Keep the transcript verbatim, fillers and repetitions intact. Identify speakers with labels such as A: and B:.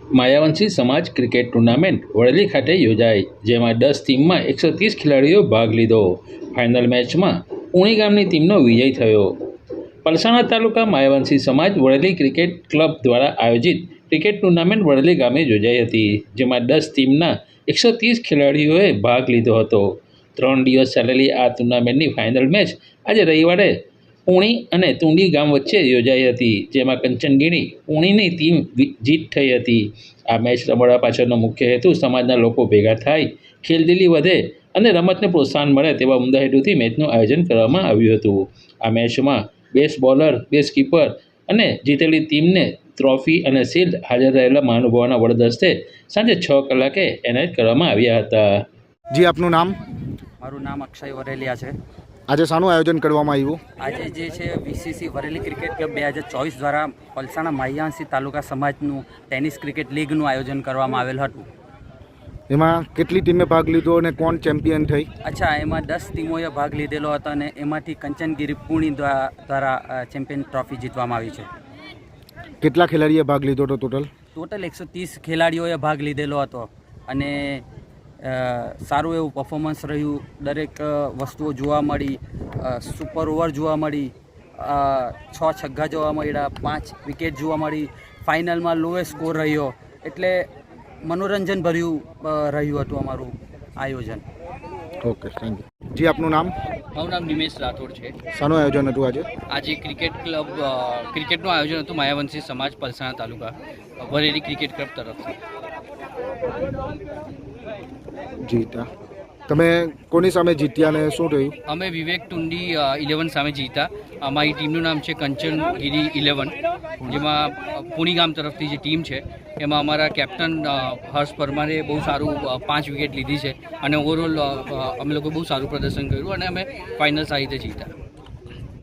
A: માયાવંશી સમાજ cricket tournament વડલી ખાતે યોજાઈ, જેમાં દસ ટીમમાં એકસો ત્રીસ ખેલાડીઓ ભાગ લીધો. ફાઇનલ મેચમાં ઉણી ગામની ટીમનો વિજય થયો. પલસાણા તાલુકા માયાવંશી સમાજ વડલી ક્રિકેટ ક્લબ દ્વારા આયોજિત ક્રિકેટ ટુર્નામેન્ટ વડલી ગામે યોજાઈ હતી, જેમાં દસ ટીમના એકસો ત્રીસ ખેલાડીઓએ ભાગ લીધો હતો. ત્રણ દિવસ ચાલેલી આ ટુર્નામેન્ટની ફાઇનલ મેચ આજે રવિવારે ઉણી અને તુંડી ગામ વચ્ચે યોજાઈ હતી, જેમાં કંચનગીરી ઉણીની ટીમ જીત થઈ હતી. આ મેચ રમવા પાછળનો મુખ્ય હેતુ સમાજના લોકો ભેગા થાય, ખેલદિલી વધે અને રમતને પ્રોત્સાહન મળે તેવા ઉમદા હેતુથી મેચનું આયોજન કરવામાં આવ્યું હતું. આ મેચમાં બેસ્ટ બોલર, બેસ્ટ કીપર અને જીતેલી ટીમને ટ્રોફી અને શિલ્ડ હાજર રહેલા મહાનુભાવોના વડદસ્તે સાંજે છ કલાકે એનાયત કરવામાં આવ્યા હતા.
B: જી, આપનું નામ?
C: મારું નામ અક્ષય વરેલિયા છે.
B: આજે શાનું આયોજન કરવામાં આવ્યું?
C: આજે જે છે વીસીસી વરેલી ક્રિકેટ ક્લબ બે હજાર ચોવીસ દ્વારા પલસાણા માયાવંશી તાલુકા સમાજનું ટેનિસ ક્રિકેટ લીગનું આયોજન કરવામાં આવેલ હતું.
B: એમાં કેટલી ટીમે ભાગ લીધો અને કોણ ચેમ્પિયન થઈ?
C: અચ્છા, એમાં દસ ટીમોએ ભાગ લીધેલો હતો અને એમાંથી કંચનગીરી પુણી દ્વારા ચેમ્પિયન ટ્રોફી જીતવામાં આવી છે.
B: કેટલા ખેલાડીએ ભાગ લીધો હતો ટોટલ?
C: ટોટલ એકસો ત્રીસ ખેલાડીઓએ ભાગ લીધેલો હતો અને સારું એવું પરફોર્મન્સ રહ્યું. દરેક વસ્તુઓ જોવા મળી, સુપર ઓવર જોવા મળી, છ છગ્ગા જોવા મળ્યા, પાંચ વિકેટ જોવા મળી, ફાઇનલમાં લોએસ્ટ સ્કોર રહ્યો. એટલે મનોરંજન ભર્યું રહ્યું હતું અમારું આયોજન.
B: Okay, thank you. જી, આપનું નામ?
D: મારું નામ નિમેશ રાઠોડ છે.
B: શાનું આયોજન હતું આજે?
D: આજે ક્રિકેટ ક્લબ ક્રિકેટનું આયોજન હતું માયાવંશી સમાજ પલસાણા તાલુકા વરેલી ક્રિકેટ ક્લબ તરફથી.
B: જીતા તમે કોની સામે જીત્યા અને શું થયું?
D: અમે વિવેક ટુંડી ઇલેવન સામે જીતા. અમારી ટીમનું નામ છે કંચનગીરી ઇલેવન, જેમાં પુણી ગામ તરફથી જે ટીમ છે એમાં અમારા કેપ્ટન હર્ષ પરમારે બહુ સારું પાંચ વિકેટ લીધી છે અને ઓવરઓલ અમે લોકો બહુ સારું પ્રદર્શન કર્યું અને અમે ફાઇનલ સારી રીતે જીતા.